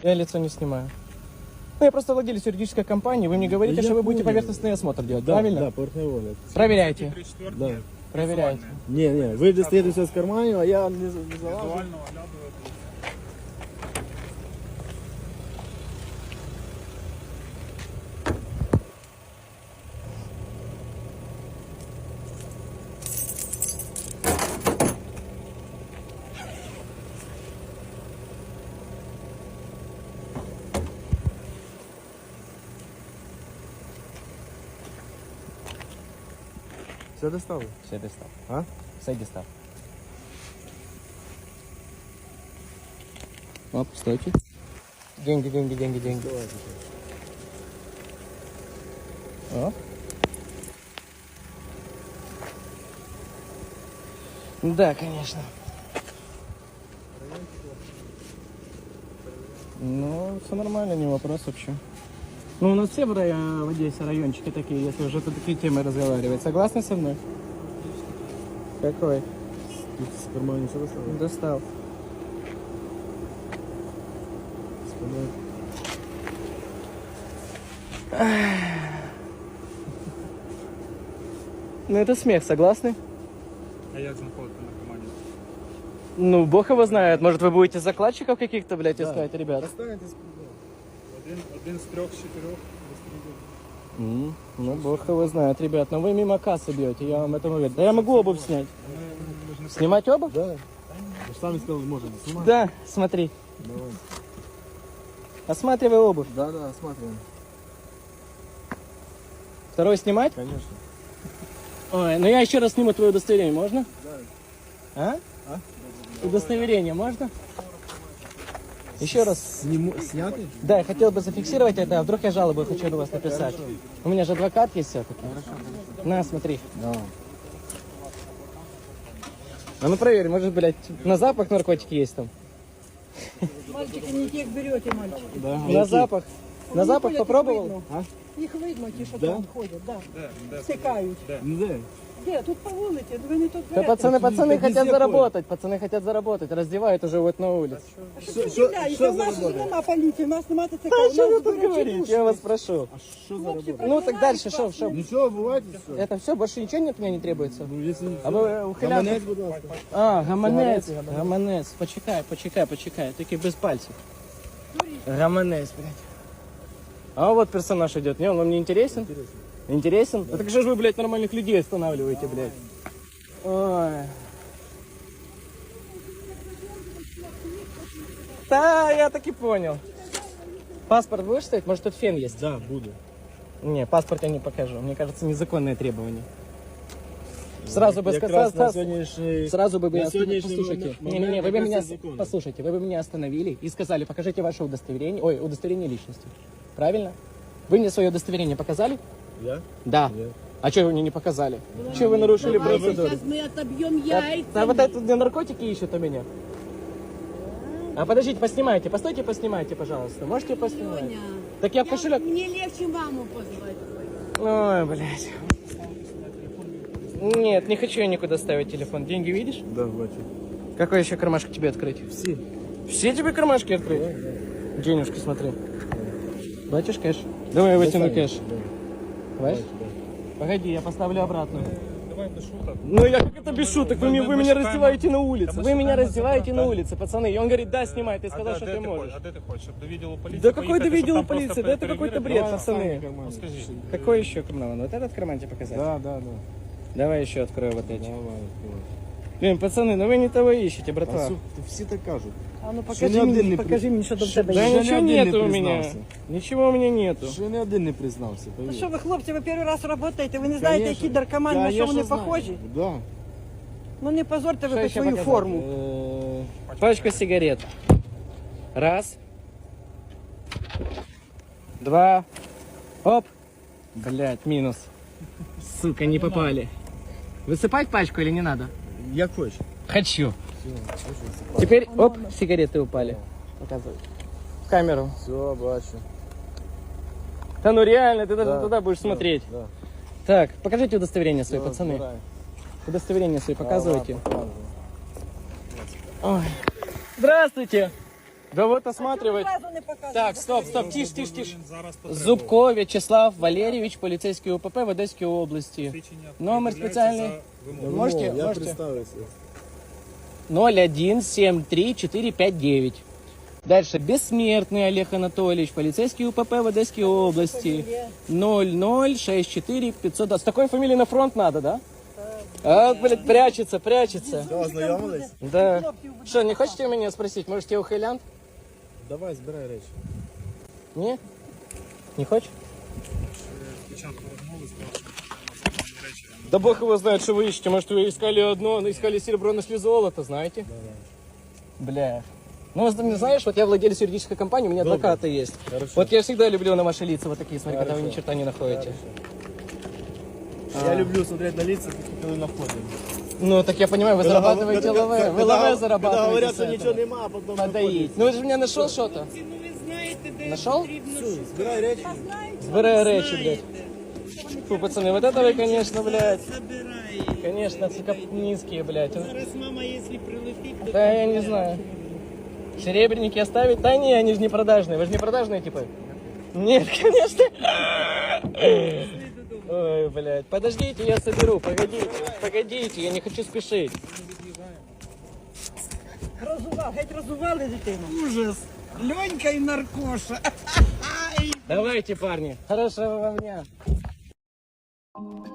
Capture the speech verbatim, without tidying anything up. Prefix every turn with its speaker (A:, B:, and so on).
A: Я лицо не снимаю. Ну, я просто владелец юридической компании. Вы мне говорите,
B: Да
A: что
B: я
A: вы будете
B: понял.
A: поверхностный осмотр делать,
B: Да,
A: правильно?
B: да, поверхневой.
A: Проверяйте.
B: Да.
A: Проверяйте.
B: Не, не, вы достаете все с кармана, а я не, не залажу.
C: Визуально оглядываю.
B: Все достал?
A: Все, достав.
B: А?
A: Все, достав. Оп, стойте. Деньги, деньги, деньги, деньги. Оп. Да, конечно. Ну, все нормально, не вопрос вообще. Ну, у нас все в, районе, в Одессе райончики такие, если уже тут такие темы разговаривать. Согласны со мной? Какой?
B: Тут с кармана все достал?
A: Достал. Ну, это смех, согласны?
C: А як знаходити на команді?
A: Ну, бог его знает. Может, вы будете закладчиков каких-то, блядь,
B: Да.
A: искать, ребят?
B: Достанете.
C: Один, один з трьох, з чотирьох.
A: М, Ну, бог его знает, ребят. Но вы мимо кассы бьете, я вам это уверен. Да я могу обувь снять. Снимать обувь?
B: Да. Вы же сами сказали, можно снимать.
A: Да, смотри.
B: Давай.
A: Осматривай обувь.
B: Да, да, смотрим.
A: Второй снимать?
B: Конечно.
A: Ой, ну я еще раз сниму твое удостоверение, можно?
B: Да.
A: А?
B: А?
A: Удостоверение можно? Еще раз.
B: Сниму, снятый?
A: Да, я хотел бы зафиксировать это, а вдруг я жалобу хочу на вас написать. У меня же адвокат есть все-таки. На, смотри.
B: Да.
A: А ну проверь, может, блядь, на запах наркотики есть там?
D: Мальчики, не тех берете, мальчики.
B: Да.
A: На запах? На
D: Они
A: запах
D: ходят,
A: попробовал?
D: Их видно,
B: А?
D: Їх видно, ті, що
B: Да?
D: там ходять, да.
C: Де? Де?
D: Стикають.
B: Ну да.
D: Де? Тут по вулиці, ви не тут
A: Да
D: берете.
A: пацаны, пацаны
B: везде
A: хотят
B: ходят.
A: заработать, пацаны хотят заработать, раздевают уже вот на улице.
D: Що
B: Що-
D: ви
B: що-
D: удивляєте?
B: що
D: У нас
B: за
D: ж
B: робота?
D: нема поліції, у нас нема ТЦК,
A: Да
D: у
A: что вы
D: нас
A: тут
D: збирачі
A: говорите,
D: душі.
A: я вас прошу.
B: А что за
D: Хлопці,
B: работа?
A: Ну так дальше, что, что?
B: Ничего, бывает все.
A: Это все, больше ничего нет, мне не требуется?
B: Ну, если
A: А вы ухилянты?
B: Гаманець, будь ласка.
A: А, гаманець, гаманець, почекай, почекай, почекай, тільки без пальців. Гаманець, блядь. А вот персонаж идет, не, он вам не интересен?
B: Интересно.
A: Интересен? Да. Так же ж вы, блядь, нормальных людей останавливаете, блядь. Ой. Да, я так и понял. Паспорт будешь ставить? Может, тут фен есть?
B: Да, буду.
A: Не, паспорт я не покажу. Мне кажется, незаконное требование. Сразу бы
B: Якраз
A: сказал,
B: на сегодняшний...
A: сразу бы
B: на
A: меня
B: сегодняшний
A: послушайте.
B: момент
A: Не, не, не, вы бы
B: якраз
A: меня
B: це законно.
A: послушайте, вы бы меня остановили и сказали, покажите ваше удостоверение, ой, удостоверение личности. Правильно? Вы мне свое удостоверение показали?
B: Я?
A: Да.
B: Нет.
A: А что вы мне не показали? Что вы нарушили процедуру?
D: Сейчас мы отобьем
A: А,
D: яйца.
A: а вот это где наркотики ищут у меня. А подождите, поснимайте, постойте, поснимайте, пожалуйста. Можете поснимать?
D: Леня,
A: Так я в
D: я-
A: кошелек.
D: Мне легче маму позвать.
A: Ой, блядь. Нет, не хочу я никуда ставить телефон. Деньги видишь?
B: Да, бачу.
A: Какой еще кармашек тебе открыть?
B: Все.
A: Все тебе кармашки открыть? Денежки смотри. Бачишь кэш? Давай я вытяну кэш. Давай? Погоди, я поставлю обратно.
C: Давай без шуток.
A: Ну я как это без шуток? Вы,
C: Мы-
A: меня-
C: мы-
A: вы
C: мы
A: меня
C: шукаем-
A: раздеваете на улице.
C: Да мы
A: Вы меня
C: шукаем
A: раздеваете
C: адвоката.
A: на улице, пацаны. И он говорит, да, снимай. Ты сказал,
C: а,
A: что
C: де
A: ты
C: ти
A: можешь.
C: хочеш? А де ти хочеш? Щоб до відділу поліції
A: Да какой
C: поїхати,
A: до
C: щоб
A: видела
C: там просто
A: полиции? Да это какой-то
C: перевірити?
A: бред,
C: Давай,
A: пацаны.
C: Ну скажи.
A: Какой еще карман? Вот этот карман тебе показать?
B: Да, да, да.
A: Давай еще открою вот эти.
B: Давай, давай.
A: Блин, пацаны, ну вы не того ищете, братва.
B: А су- всі так кажуть.
A: А ну
B: Ще
A: покажи
B: ні один
A: мне,
B: не
A: покажи
B: при-
A: мне, что там в
B: Ще-
A: тебе
B: ще
A: есть.
B: ні
A: Да ничего
B: один не
A: нету у меня.
B: признався.
A: Ничего у меня нету.
B: Ще не один не признався,
D: Ну
B: повір.
D: що ви, хлопці, ви перший раз працюєте, ви не знаєте,
B: Конечно.
D: які наркомани, на що
B: Конечно,
D: вони
B: знаю.
D: похожі?
B: Да.
D: Ну не позорте ви
A: Что
D: хоч
A: еще
D: свою
A: показать?
D: форму.
A: Э, Пачка сигарет. Раз. Два. Оп. Блять, минус. Сука, не попали. Высыпать пачку или не надо?
B: Як хочеш.
A: Хочу. Теперь, оп, сигареты упали. Показывай. В камеру.
B: Все, бачу.
A: Да ну реально, ты даже
B: Да,
A: туда будешь
B: да,
A: смотреть.
B: Да.
A: Так, покажите удостоверение свои,
B: Всё,
A: пацаны.
B: збирай.
A: Удостоверение свои показывайте.
B: Ага, показывай.
A: Ой. Здравствуйте. Да вот осматривать.
D: Зразу не показуй.
A: Так, стоп, стоп, тиш, тиш, тиш.
C: Він зараз потребує.
A: Зубко В'ячеслав Валерійович, поліцейський УПП в Одеській області.
C: Свідчення
A: Номер
C: пред'являється
A: спеціальний.
C: за вимогою.
B: Ну,
A: Можете-
B: я
A: можете?
B: представився.
A: ноль один семь три четыре пять девять. Дальше. Бессмертный Олег Анатольевич, полицейский УПП в Одесской области. ноль ноль шесть четыре пятьсот. С такой фамилией на фронт надо, да? А, блядь, прячется, прячется.
B: Все, ознайомились?
A: Да. Что, не хотите меня спросить? Может, я ухилянт?
B: Давай, збирай речі.
A: Не? Не хочешь?
C: Спочатку розмови сказав, що на речі.
A: Да бог его знает, что вы ищете. Может, вы искали одно, но искали серебро, нашли золото, знаете? Бля. Ну, з- знаешь, вот я владелец юридической компании, у меня адвокаты есть.
B: Хорошо.
A: Вот я всегда люблю на ваши лица вот такие, смотри, когда вы ни черта не находите.
B: Я люблю смотреть на лица, коли на вході.
A: Ну, так я понимаю, вы зарабатываете лаве. Вы лаве зарабатываете.
B: Когда говорят,
A: с
B: що
A: этого.
B: нічого нема, а потім
A: Подоить. Ну, вы же меня нашел что-то? Нашел?
B: Збирай речі.
A: Збирай речи, блядь. Фу, пацаны, вот это вы, конечно, блядь. Конечно, сука, низкие, блядь.
E: Зараз мама, если прилетит, то
A: Да, я не знаю. Серебряники оставить? Да не, они же не продажные. Вы же не продажные, типа? Нет, конечно. Ой, блядь. Подождите, я соберу. Погодите, погодите, я не хочу спешить.
D: Розував, геть розували дитину.
E: ужас. Ленька и наркоша.
A: Давайте, парни. Хорошего вам дня.